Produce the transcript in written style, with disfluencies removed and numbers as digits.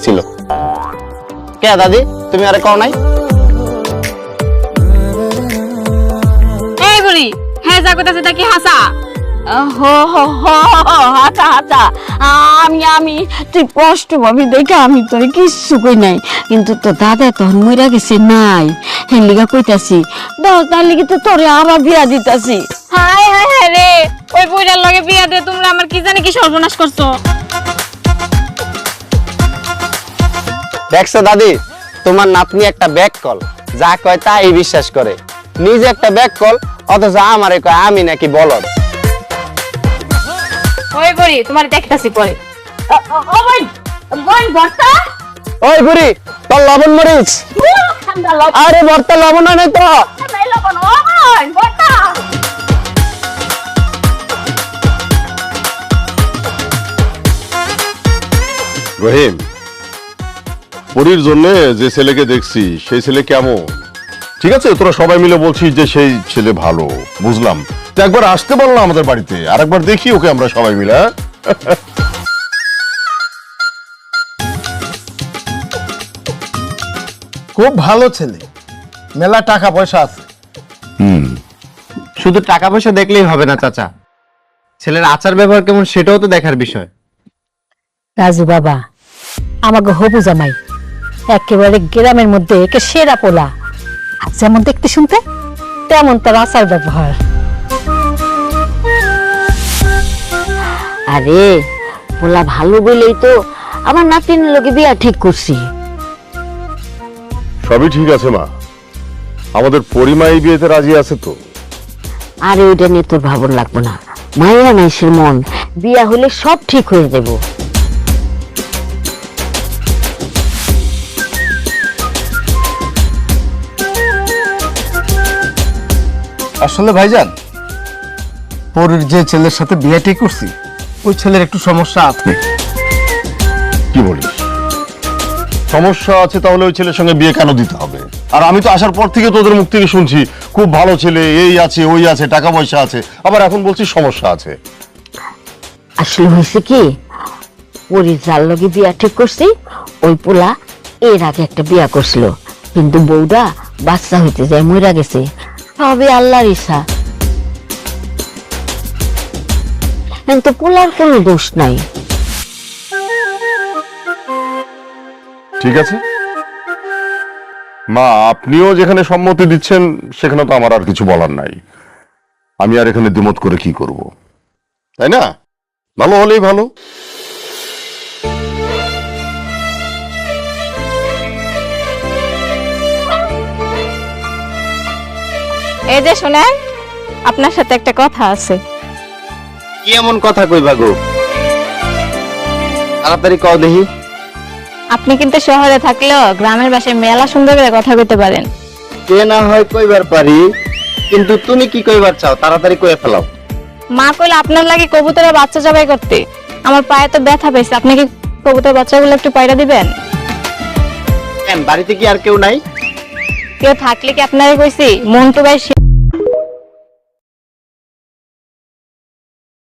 ছিল। কে দাদি, তুমি আরে কও নাই? এই বুড়ি, হ্যাঁ যা কইতাছে তা কি হাসা? হো হো হো হাতা হাতা আমি তুই কষ্ট পাবি দেখে আমি তোর কিচ্ছু কই নাই, কিন্তু তোর দাদা তখন মইরা গেছে নাই, হেন লিগা কইতাছি দাও, তার লিগে তো তোরে আবার বিয়া দিতাছি। হায় হায় হায় রে, ওই বুড়ার লগে বিয়া দিয়ে তোমরা আমার কি জানি কি সর্বনাশ করছো। দেখছো দাদি, তোমার নাতনি একটা ব্যাক কল, যা কয় তাই বিশ্বাস করে। নিজে একটা ব্যাক কল, অথচ আমারে কয় আমি নাকি বলদ। ওই বুড়ি, তোমার দেখতাছি পরে। ওই বুড়ি, তোর লবণ মরিচ। আরে ভর্তা লবণ নাই তো। রহিম, পরীর জন্য যে ছেলেকে দেখছি সেই ছেলে কেমন? ঠিক আছে, তোরা সবাই মিলে বলছিস যে সেই ছেলে ভালো, বুঝলাম। তো একবার আসতে বললাম আমাদের বাড়িতে, আর একবার দেখি ওকে আমরা সবাই মিলে। খুব ভালো ছেলে, মেলা টাকা পয়সা আছে। শুধু টাকা পয়সা দেখলেই হবে না চাচা, ছেলের আচার ব্যবহার কেমন সেটাও তো দেখার বিষয়। রাজু বাবা, আমাকে হবু জামাই একেবারে গ্রামের মধ্যে একে সেরা পোলা, আর যেমন দেখতে শুনতে তেমন তার আচার ব্যবহার। আরে পোলা ভালো বলেই তো আমার নাতিনের লোকে বিয়া ঠিক করছি। সবই ঠিক আছে মা, আমাদের পরিমা এই বিয়েতে রাজি আছে তো? আরে ওইটা নিয়ে তোর ভাবন লাগবো না, মাইয়া নাইসের মন, বিয়া হলে সব ঠিক হয়ে যাবো। আসলে ভাইজান, পরের যে ছেলের সাথে বিয়ে ঠিক করছি ওই ছেলের একটু সমস্যা আছে। কি বলিস? সমস্যা আছে? তাহলে ওই ছেলের সঙ্গে বিয়ে কেন দিতে হবে? আর আমি তো আসার পর থেকে তোদের মুখ থেকে শুনছি খুব ভালো ছেলে, এই আছে ওই আছে, টাকা পয়সা আছে, আবার এখন বলছিস সমস্যা আছে। আসলে হয়েছে কি, পরি যার লগে বিয়া ঠিক করছি ওই পোলা এর আগে একটা বিয়া করছিল, কিন্তু বউটা বাচ্চা হইতে যায় মইরা গেছে। সবে আল্লাহর ইচ্ছা, কিন্তু পোলার কোনো দোষ নাই। ঠিক আছে মা, আপনিও যেখানে সম্মতি দিচ্ছেন সেখানে তো আমার আর কিছু বলার নাই। আমি আর এখানে দ্বিমত করে কি করব, তাই না? ভালো হলেই ভালো। এই যে শোনেন, আপনার সাথে একটা কথা আছে। কি এমন কথা কইবা গো? তাড়াতাড়ি কও দেখি। আপনি কিন্তু শহরে থাকলেও গ্রামের বাসায় মেলা সুন্দর করে কথা কইতে পারেন। কে না হয় কইবার পারি, কিন্তু তুমি কি কইবার চাও? তাড়াতাড়ি কইয়া ফেলাও। মা কইলে আপনার লাগে কবুতরের বাচ্চা জবাই করতে। আমার পায়ে তো ব্যথা পেয়েছে, আপনি কি কবুতরের বাচ্চাগুলো একটু পায়রা দিবেন? কেন, বাড়িতে কি আর কেউ নাই? কেউ থাকলে কি আপনারে কইছি? মন্টু ভাই